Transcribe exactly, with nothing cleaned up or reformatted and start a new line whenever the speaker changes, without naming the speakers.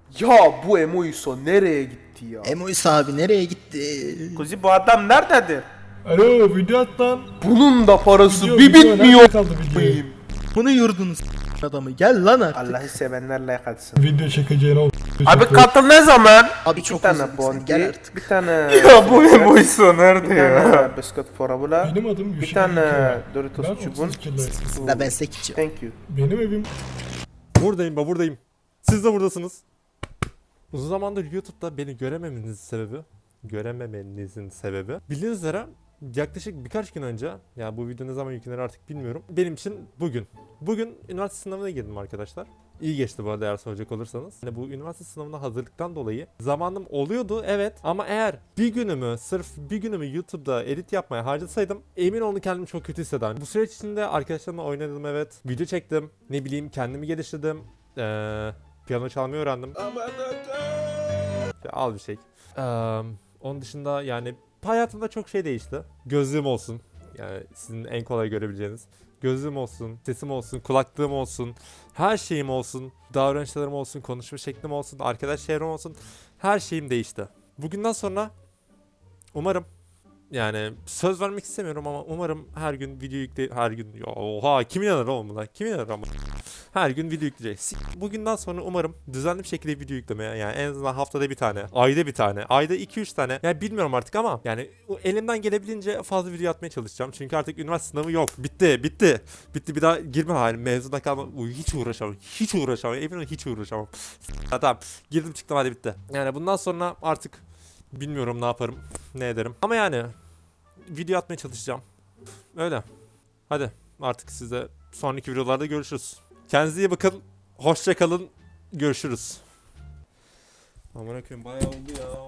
Ya bu Emoiso nereye gitti ya?
Emois abi nereye gitti?
Kuzi bu adam nerededir?
Alo video at lan.
Bunun da parası
Video,
bir
video,
bitmiyor.
nerede kaldı video?
a**ayım.
Bunu yurdunuz adamı. Gel lan artık.
Allah'ı sevenler like atsın.
Video çekeceğine o
Abi katıl ne zaman?
Abi
Bir
çok
tane
özledim seni.
bondi,
Gel artık.
bir tane...
Ya bu Emoiso nerede
Bir
ya?
tane bisküt forabula,
Benim adım
bir
Yuşa
tane
Yüksel'e.
Doritos
Ben
çubuğun.
otuz kiloyum.
La ben sekiz.
Thank you.
Benim evim
Buradayım ba buradayım. Siz de buradasınız. Uzun zamandır YouTube'da beni görememenizin sebebi, görememenizin sebebi bildiğiniz üzere yaklaşık birkaç gün önce, yani bu video ne zaman yüklenir artık bilmiyorum. Benim için bugün. Bugün üniversite sınavına girdim arkadaşlar. İyi geçti bu arada eğer soracak olursanız. Yani bu üniversite sınavına hazırlıktan dolayı zamanım oluyordu evet, ama eğer bir günümü sırf bir günümü YouTube'da edit yapmaya harcasaydım emin olun kendimi çok kötü hissederdim. Bu süreç içinde arkadaşlarımla oynadım evet, video çektim, ne bileyim kendimi geliştirdim, ee, piyano çalmayı öğrendim. Al bir şey. Ee, onun dışında yani hayatımda çok şey değişti. Gözlüğüm olsun. Yani sizin en kolay görebileceğiniz. Gözlüğüm olsun, sesim olsun, kulaklığım olsun, her şeyim olsun, davranışlarım olsun, konuşma şeklim olsun, arkadaş çevrem olsun. Her şeyim değişti. Bugünden sonra umarım, yani söz vermek istemiyorum ama umarım her gün video yükle her gün ya oha kim inanır oğlum buna, kim inanır ama her gün video yükleyeceğiz. Bugünden sonra umarım düzenli bir şekilde video yüklemeye, yani en azından haftada bir tane, ayda bir tane, ayda iki üç tane, yani bilmiyorum artık ama yani elimden gelebildiğince fazla video atmaya çalışacağım. Çünkü artık üniversite sınavı yok. Bitti, bitti. Bitti, bir daha girme halim. Mezuna kalma. Uy, hiç uğraşamam. Hiç uğraşamam. Emin olun hiç uğraşamam. Tamam. Girdim çıktım hadi bitti. Yani bundan sonra artık bilmiyorum ne yaparım, ne ederim. Ama yani video atmaya çalışacağım. Öyle. Hadi artık size sonraki videolarda görüşürüz. Kendinize iyi bakın. Hoşça kalın. Görüşürüz. Aman akım bayağı oldu ya.